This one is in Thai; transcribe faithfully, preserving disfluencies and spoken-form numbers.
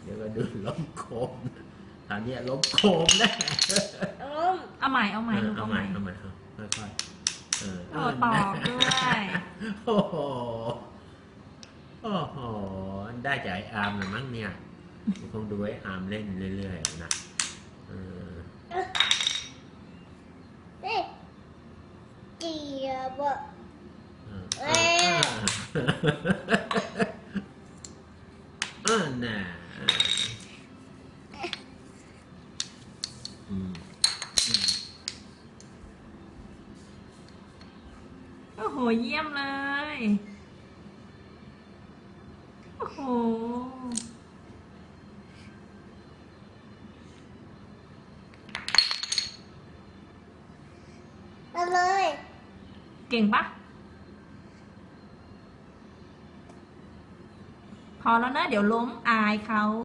เดี๋ยวก็ดูล้มโคมคราวนี้ล้มโคมแน่ล้มเอาใหม่เอาใหม่ลูกเอาเอาใหใหม่ม่เอาใหม่ครับค่อยๆเออโอ้ตอบด้วยโอ้โหโอ้โหได้จากไอ้อาร์มเลยมั้งเนี่ยคงดูไอ้อาร์มเล่นเรื่อยๆนะเออเอ๊ะเจียบอ่ะเออเออน่ะอืมโอ้โหเยี่ยมเลยโอ้โหเอาเลยเก่งปะพอแล้วนะเดี๋ยวล้มอายเขา